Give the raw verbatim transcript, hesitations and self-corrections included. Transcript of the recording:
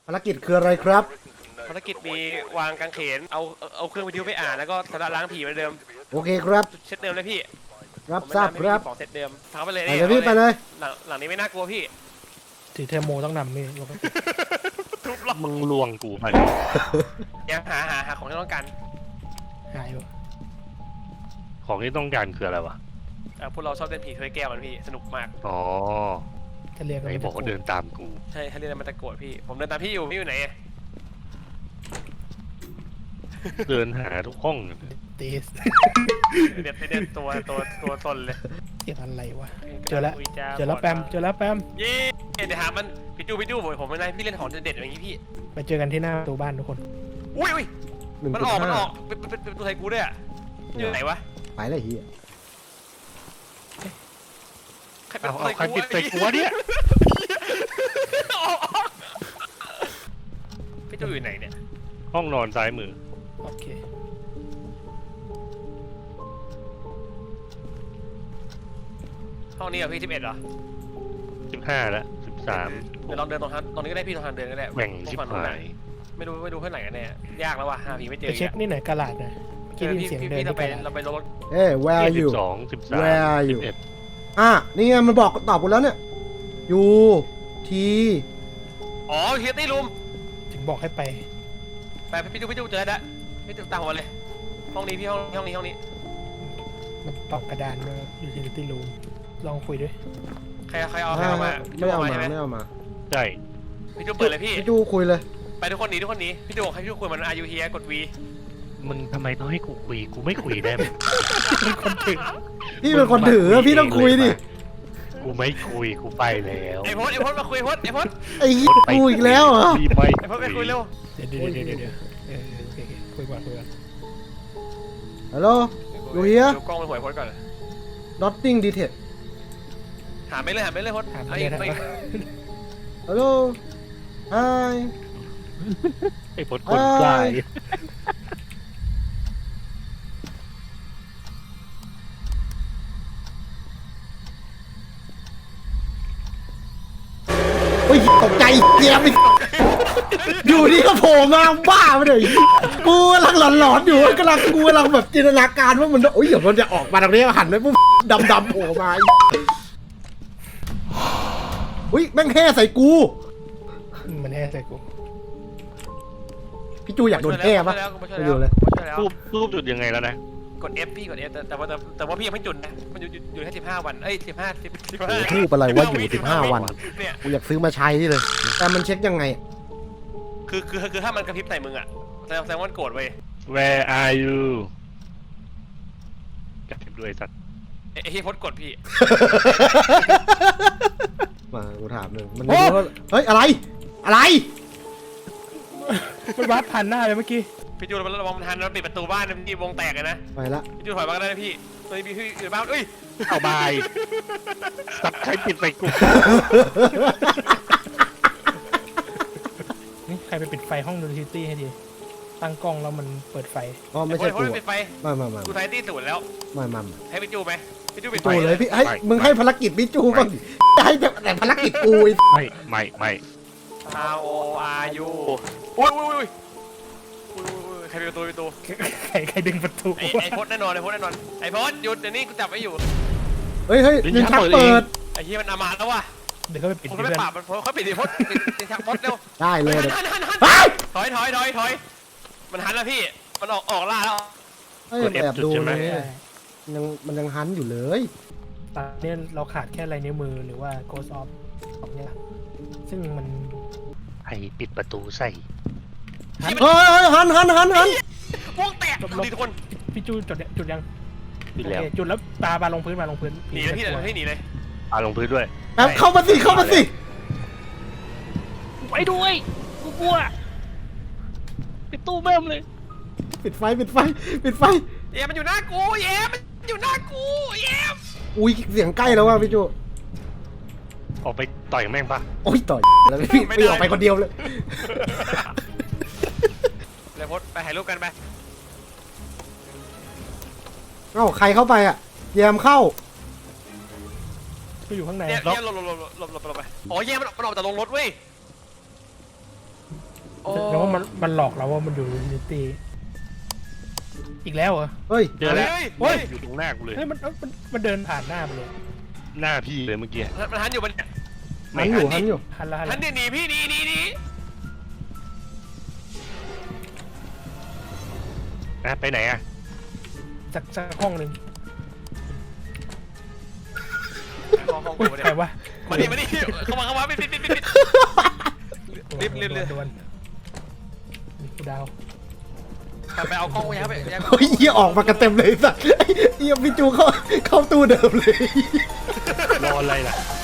ภารกิจคืออะไรครับภารกิจมีวางกางเขนเอาเอาเครื่องวิทยุไปอ่านแล้วก็สำหรับล้างผีเหมือนเดิมโอเคครับเซตเดิมเลยพี่รับทราบครับของเซตเดิมทำไปเลยไปเลยพี่ไปเลยหลังหลังนี้ไม่น่ากลัวพี่ถือเทอร์โมต้องนำนี่เราก็ทุบล็อกมึงลวงกูไปเดี๋ยวหาหาหาของที่ต้องการหายอยู่ของที่ต้องการคืออะไรวะพวกเราชอบเล่นผีถ้วยแก้วมันพี่สนุกมากอ๋อถ้าเรียกไอ้บอกว่าเดินตามกูใช่ถ้าเรียกมันตะโกรธพี่ผมเดินตามพี่อยู่พี่อยู่ไหนเดินหาทุกห้องตีสเด็ดเด็ดตัวตัวตัวตนเลยเสียงอะไรวะเจอแล้วเจอแล้วแปมเจอแล้วแปมเย้เดี๋ยวหามันพี่จูพี่จูผมผมไม่ได้พี่เล่นของเด็ดอย่างนี้พี่ไปเจอกันที่หน้าประตูบ้านทุกคนอุ้ยอุ้ยมันออกมันออกเป็นเป็นเป็นตัวไทยกูด้วยอ่ะอยู่ไหนวะไปเลยเฮียเอาเอาใครปิดใส่กูวะเนี่ยพี่จูอยู่ไหนเนี่ยห้องนอนซ้ายมือโอเคห้องนี้เหรอพี่สิบเอ็ดเหรอสิบห้าแล้วสิบสามเดี๋ยวลองเดินตรงทางตรงนี้ก็ได้พี่ตรงทางเดินก็ได้แหว่งชิบหายไม่รู้ไม่รู้เพื่อนไหนกันแน่ยากแล้วว่ะหาผีไม่เจอไปเช็คนี่ไหนกระดาษนะพี่พี่พี่เราไปเราไปรถเอ้ย where are you สองสิบสาม where are you อ่ะนี่ไงมันบอกตอบกูแล้วเนี่ยยูทีอ๋อเฮียตี้รูมถึงบอกให้ไปไปพี่จูพี่จูเจอแล้วพี่จูตามหัวเลยห้องนี้พี่ห้องห้องนี้ห้องนี้มันตอกกระดานมาอยู่ที่ที่รูมลองคุยด้วยใครใครเอาใครเอามาไม่เอามาไม่เอามาใช่พี่จูเปิดเลยพี่พี่จูคุยเลยไปทุกคนหนีทุกคนหนีพี่จูบอกให้พี่จูคุยมันอายุเฮียกดวีมึงทำไมต้องให้กูคุยกูไม่คุยได้ไหมเป็นคนถือพี่เป็นคนถือพี่ต้องคุยดิกูไม่คุยกูไปแล้วไอ้พจน์ไอ้พจน์มาคุยพจน์ไอ้พจน์ไอ้กูอีกแล้วเหรอไอ้พจน์ไปคุยเร็วเดี๋ยวเดี๋ยวเดี๋ยวเดี๋ยวเออโอเคคุยก่อนคุยก่อนฮัลโหลอยู่เฮียดูกล้องไปหวยพจน์ก่อน nothing detail หาไม่เลยหาไม่เลยพจน์หาไม่เลยนะฮัลโหล hi ไอ้พจน์คนกล้าโอ้ยตกใจเจี๊ยบอยู่นี่ก็โผล่มาบ้าไปเลยกูกำลังหลอนๆอยู่กำลังกูกำลังแบบจินตนาการว่ามันโอ้ยเดี๋ยวมันจะออกมาตรงนี้หันไปปุ๊บดำๆโผล่มาอุ้ยแม่งแห่ใส่กูมันแห่ใส่กูพี่จูอยากโดนแห่ปะไปดูเลยรูปรูปจุดยังไงแล้วนะกด F พี่กด F แต่ว่าแต่ว่าพี่ยังไม่จุดนะมันอยู่อยู่แค่สิบห้าวันเอ้ยสิบห้าสิบสิบห้าทูบอะไรว่าอยู่สิบห้าวันกูอยากซื้อมาใช้เลยแต่มันเช็คยังไงคือคือคือถ้ามันกระพริบใส่มึงอ่ะแสดงแสดงว่าโกรธเว้ย Where are you กระพริบด้วยสัตว์ไอ้ที่พดกดพี่มากูถามหนึ่งมันเฮ้ยอะไรอะไรมันวัดผ่านหน้าเลยเมื่อกี้พี่จูนระวังมันทันเราปิดประตูบ้านนะพี่วงแตกเลยนะไปละพี่จูนถอยมาก็ได้นะพี่ตอนนี้พี่อยู่บ้านเอ้ยเอาบายสัตว์ใครปิดไปกูนี่ใครไปปิดไฟห้องดูซิตี้ให้ดีตั้งกล้องแล้วมันเปิดไฟอ๋อไม่ใช่กูปิดไฟไม่ไม่ไม่กูไทตี้สูนแล้วไม่ไม่ให้พี่จูไหมพี่จูปิดไฟเลยพี่ให้มึงให้ภารกิจพี่จูบ้างให้แต่ภารกิจกูไม่ไม่ไม่ How are you อุ้ยอุ้ยอุ้ยใครปิดประตูประตูใครใครดึงประตูไอ้ไอ้พจน์แน่นอนไอ้พจน์แน่นอนไอ้พจน์หยุดเดี๋ยวนี้กูจับไว้อยู่เฮ้ยเฮ้ยลิ้นชักเปิดไอ้เหี้ยมันอามาแล้วว่ะเดี๋ยวเขาไปปิดเขาไปปราบมันเขาปิดดิพจน์ลิ้นชักพจน์เร็วได้เลยถอยถอยถอยถอยมันหันแล้วพี่มันออกออกล่าแล้วเฮ้ยแอบดูเลยยังมันยังหันอยู่เลยตอนนี้เราขาดแค่ลายนิ้วมือหรือว่า Ghost of สองอย่างซึ่งมันให้ปิดประตูใส่เฮ้ยหันหันหันหันวงแตกดีทุกคนพี่จูจุดจุดยังปิดแล้วจุดแล้วตาบาลงพื้นมาลงพื้นหนีเลยพี่เลยให้หนีเลยปาลงพื้นด้วยเข้ามาสิเข้ามาสิไปด้วยกูกลัวปิดตู้แม่มเลยปิดไฟปิดไฟปิดไฟเย้มันอยู่หน้ากูเย้มันอยู่หน้ากูเย้อุ้ยเสียงใกล้แล้วว่ะพี่จูออกไปต่อยแม่งปะโอ้ยต่อยแล้วพี่ไม่ออกไปคนเดียวเลยเลยพดไปถ่ายรูปกันไปเอ้าใครเข้าไปอ่ะแยมเข้าก็อยู่ข้างในเนี่ยหลบหลบหลบหลบหลบหลบไปอ๋อแยมมันออกจากโรงรถเว้ยโอ้แต่ว่ามันมันหลอกเราว่ามันอยู่ยูนิตี้อีกแล้วเหรอเฮ้ยเจอแล้วเฮ้ยเฮ้ยอยู่ตรงหน้ากูเลยเฮ้ยมันมันมันเดินผ่านหน้าไปเลยหน้าพี่เลยเมื่อกี้มันหันอยู่มันเนี่ยหันอยู่หันอยู่หันละหันหัละนเนี่ยหนีพี่หนีหนีหนีอ่ะไปไหนอ่ะจากจากห้องหนึ่งห้องห้องอุ๊ยกูใครเนี่ยวะมาดิมาดิเข้ามาเข้ามาปิดปิดปิดปิดปิด รีบรีบรีบดวนมีกูดาวกลับไปเอากล้องไว้ครับไปเฮ้ยเฮียออกมากันเต็มเลยสัสเฮียพี่จูเข้าเข้าตู้เดิมเลยรออะไรล่ะ